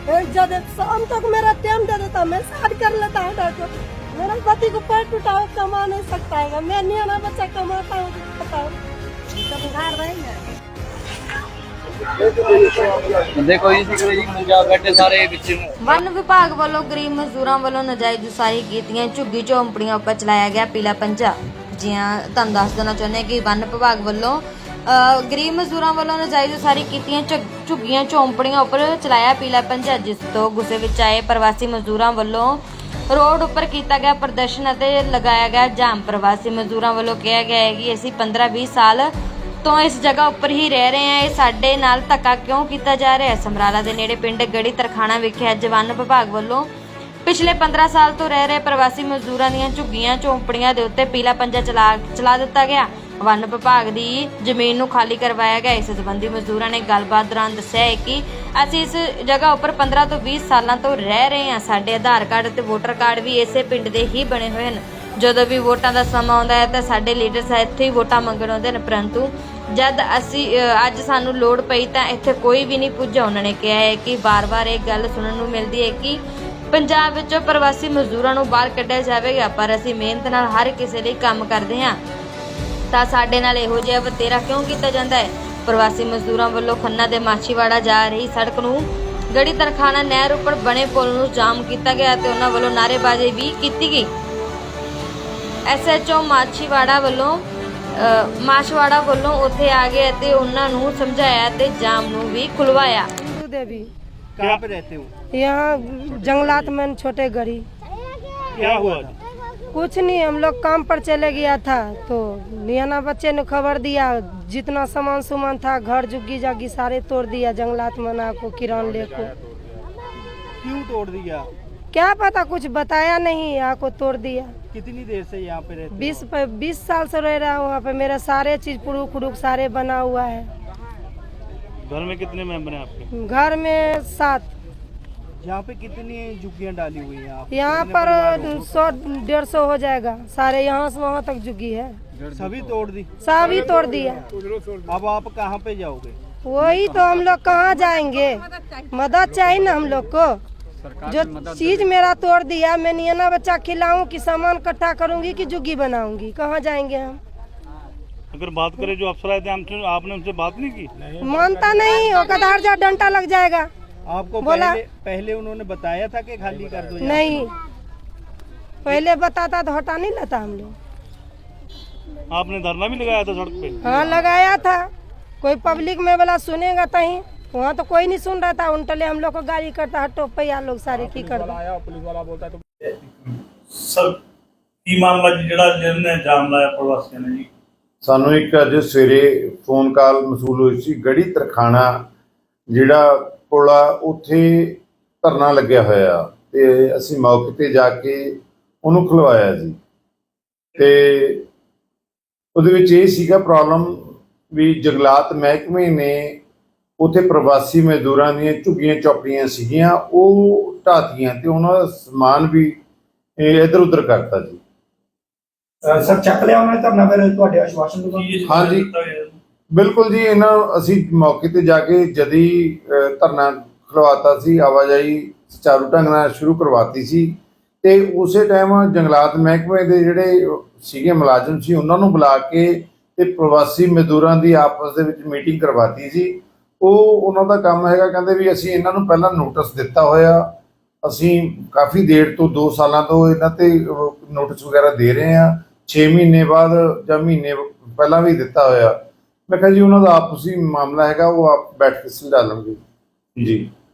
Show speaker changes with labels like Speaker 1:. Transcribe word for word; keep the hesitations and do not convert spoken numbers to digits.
Speaker 1: जब शाम तक मेरा टाइम दे देता, मैं शादी कर लेता है डॉक्टर। मेरा पति को पैर टूटा हो, कमा नहीं सकता है, मैं नहीं आना बच्चा कमाता हूँ, बताओ तब घर रहेंगे।
Speaker 2: देखो जी जी पंजाब बैठे सारे विच
Speaker 3: वन विभाग वालों गरीब मजदूरों वालों नाजायज उसारी कीतियां झुग्गी झोंपड़ियां उपर चलाया गया पीला पंजा। जी हाँ, तुहानूं दस देना चाहुंदे कि वन विभाग वालों गरीब मजदूरों वालों नाजायज उसारी कीतियां झुग्गियां झोंपड़ियां उपर चलाया पीला पंजा, जिस तो गुस्से विच आए प्रवासी मजदूरों वालों रोड उपर किया गया प्रदर्शन और लगाया गया जाम। प्रवासी मजदूरों वालों कहा गया है कि असीं पंद्रह बीस साल तो इस जगह उपर ही रह रहे हैं, साडे नाल धक्का क्यों किया जा रहा है। समराला दे नेड़े पिंड गड़ी तरखाना विखे अज वन विभाग वालों पिछले पंद्रह साल तो रह रहे प्रवासी मजदूरों दीयां झुग्गियां झोंपड़ियां दे उत्ते पीला पंजा चला चला दिता गया। वन विभाग की जमीन नूं खाली करवाया गया। इस संबंधी मजदूरों ने गलबात दौरान दस्सिया है कि असीं इस जगह उपर पंद्रह तो बीस सालों तो रह रहे हैं, साडे आधार कार्ड ते वोटर कार्ड भी इसे पिंड दे ही बने हुए हैं। जदों भी वोटां दा समां आउंदा है तां साडे लीडर इत्थे ही वोटां मंगण आउंदे ने, परंतु जद असी अज सानू लोड़ पई तां इत्थे कोई भी नहीं पुज्जा। उन्होंने कहा है कि बार बार एक गल सुनन नूं मिलदी है कि पंजाब विचों प्रवासी मजदूरां नूं बाहर कढिया जावेगा, पर असी मेहनत नाल हर किसी लई काम करदे हां तां साडे नाल इहो जिहा वतेरा क्यों कीता जांदा है। प्रवासी मजदूरां वल्लों खन्ना दे माछीवाड़ा जा रही सड़क नूं गड़ी तरखाना नहर उपर बने पुल नूं जाम कीता गया ते उन्हां वल्लों नारेबाजी भी कीती गई। एस एच ओ माछीवाड़ा वल्लों माछवाड़ा वालों उत्थे आ गए ते उन्हां नूं समझाया ते जाम नूं भी खुलवाया।
Speaker 1: देवी
Speaker 4: कहाँ पे रहते हो?
Speaker 1: यहाँ जंगलात में छोटे गड़ी।
Speaker 4: क्या हुआ था?
Speaker 1: कुछ नहीं, हम लोग काम पर चले गया था तो नियाना बच्चे ने खबर दिया, जितना सामान सामान था घर जुग्गी जागी सारे तोड़ दिया जंगलात मना को किरान ले को।
Speaker 4: क्यों तोड़ दिया?
Speaker 1: क्या पता, कुछ बताया नहीं, आको तोड़ दिया।
Speaker 4: कितनी देर से यहाँ पे रहते हो?
Speaker 1: बीस बीस साल से रह रहा हूँ वहाँ पे, मेरा सारे चीज पुरुख खुरुक सारे बना हुआ है।
Speaker 4: घर में कितने मेंबर हैं आपके?
Speaker 1: घर में सात।
Speaker 4: यहाँ पे कितनी झुग्गियाँ डाली हुई हैं आप?
Speaker 1: यहाँ
Speaker 4: कितने
Speaker 1: पर
Speaker 4: परिवार हो?
Speaker 1: सौ डेढ़ सौ हो जाएगा, सारे यहाँ से वहाँ तक झुग्गी है,
Speaker 4: सभी तोड़ दी?
Speaker 1: सभी तोड़ दिया।
Speaker 4: अब आप कहाँ पे जाओगे?
Speaker 1: वही तो हम लोग कहाँ जाएंगे, मदद चाहिए ना हम लोग को। जो चीज मेरा तोड़ दिया, मैं नियाना बच्चा खिलाऊं कि सामान इकट्ठा करूंगी कि झुग्गी बनाऊंगी, कहाँ जाएंगे हम।
Speaker 4: अगर बात करें जो अफसर आए थे हमसे, आपने उनसे बात नहीं की?
Speaker 1: मानता नहीं, वो कदार जा डंटा लग जाएगा।
Speaker 4: आपको
Speaker 1: बोला
Speaker 4: पहले पहले उन्होंने बताया था कि खाली कर दो?
Speaker 1: नहीं, पहले बताता तो हटा नहीं लेता हम लोग।
Speaker 4: आपने धरना भी लगाया था सड़क पे?
Speaker 1: हाँ लगाया था, कोई पब्लिक में वाला सुनेगा तहीं, वहाँ तो कोई नहीं सुन रहा था। उनटले हम लोग को गाड़ी करता हटो पैया लोग सारे की कर
Speaker 4: पुलिस वाला बोलता तो
Speaker 5: सर की मामला जिहड़ा जिन्हें जाम लाया प्रवासियों ने जी?
Speaker 6: ਸਾਨੂੰ ਇੱਕ ਅੱਜ ਸਵੇਰੇ ਫੋਨ ਕਾਲ ਮਸੂਲ ਹੋਈ ਸੀ, ਗੜੀ ਤਰਖਾਣਾ ਜਿਹੜਾ ਪੁਲ ਆ ਉੱਥੇ ਧਰਨਾ ਲੱਗਿਆ ਹੋਇਆ ਤੇ ਅਸੀਂ ਮੌਕੇ ਤੇ ਜਾ ਕੇ ਉਹਨੂੰ ਖੁਲਵਾਇਆ ਜੀ। ਤੇ ਉਹਦੇ ਵਿੱਚ ਇਹ ਸੀਗਾ ਪ੍ਰੋਬਲਮ ਵੀ ਜੰਗਲਾਤ ਮਹਿਕਮੇ ਨੇ ਉੱਥੇ ਪ੍ਰਵਾਸੀ ਮਜ਼ਦੂਰਾਂ ਦੀਆਂ ਝੁੱਗੀਆਂ ਚੌਪੜੀਆਂ ਸੀਗੀਆਂ, ਉਹ ਢਾਤੀਆਂ ਤੇ ਉਹਨਾਂ ਦਾ ਸਮਾਨ ਵੀ ਇੱਧਰ ਉੱਧਰ ਕਰਤਾ ਜੀ।
Speaker 7: ਸਰ ਚੱਕ ਲਿਆ ਉਹਨੇ ਧਰਨਾ ਫਿਰ ਤੁਹਾਡੇ ਆਸ਼ਵਾਸਨ ਤੋਂ?
Speaker 6: हाँ जी बिल्कुल जी, इन्हों असी मौके ते जाके जदी धरना खलवाता सी, आवाजाही सुचारू ढंग नाल शुरू करवाती सी ते उसे टाइम जंगलात महकमे दे जिहड़े सीगे मुलाजम सी उन्हां नूं बुला के ते प्रवासी मजदूरां दी आपस दे विच मीटिंग करवाती सी। ਉਹ ਉਹਨਾਂ ਦਾ ਕੰਮ ਹੈਗਾ, ਕਹਿੰਦੇ ਵੀ ਅਸੀਂ ਇਹਨਾਂ ਨੂੰ ਪਹਿਲਾਂ ਨੋਟਿਸ ਦਿੱਤਾ ਹੋਇਆ, ਅਸੀਂ ਕਾਫੀ ਦੇਰ ਤੋਂ ਦੋ ਸਾਲਾਂ ਤੋਂ ਇਹਨਾਂ ਤੇ ਨੋਟਿਸ ਵਗੈਰਾ ਦੇ ਰਹੇ ਹਾਂ, ਛੇ ਮਹੀਨੇ ਬਾਅਦ ਜਾਂ ਮਹੀਨੇ ਪਹਿਲਾਂ ਵੀ ਦਿੱਤਾ ਹੋਇਆ। ਮੈਂ ਕਿਹਾ ਜੀ ਉਹਨਾਂ ਦਾ ਆਪਸੀ ਮਾਮਲਾ ਹੈਗਾ, ਉਹ ਆਪ ਬੈਠ ਕੇ ਸੁਲਝਾ ਲਵਾਂਗੇ ਜੀ।